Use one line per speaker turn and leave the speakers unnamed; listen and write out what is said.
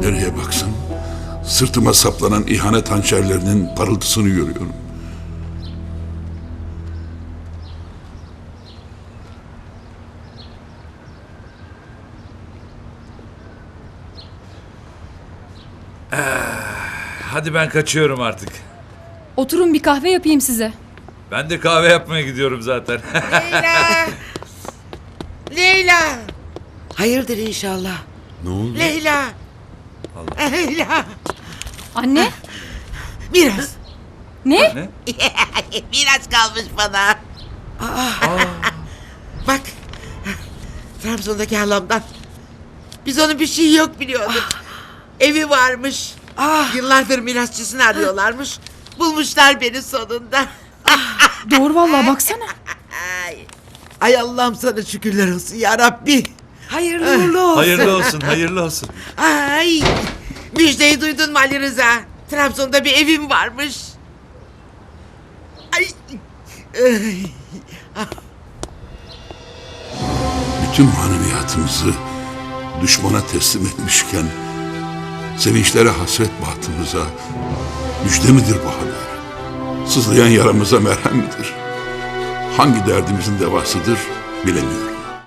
Nereye baksam sırtıma saplanan ihanet hançerlerinin parıltısını görüyorum.
Hadi ben kaçıyorum artık.
Oturun bir kahve yapayım size.
Ben de kahve yapmaya gidiyorum zaten.
Leyla! Leyla! Hayırdır inşallah.
Ne oldu?
Leyla! Leyla!
Anne?
Biraz.
Ne?
Ne?
Biraz kalmış bana. Bak. Trabzon'daki halamdan. Biz onun bir şeyi yok biliyorduk. Evi varmış. Yıllardır mirasçısını arıyorlarmış. Bulmuşlar beni sonunda.
Doğru vallahi baksana.
Ay Allah'ım sana şükürler olsun ya Rabbi. Hayırlı uğurlu olsun.
Hayırlı olsun, hayırlı olsun.
Ay, müjdeyi duydun mu Ali Rıza? Trabzon'da bir evim varmış. Ay. Ay.
Bütün maneviyatımızı düşmana teslim etmişken sevinçlere hasret bahtımıza müjde midir bu haber? Sızlayan yaramıza merhem midir? Hangi derdimizin devasıdır bilemiyorum.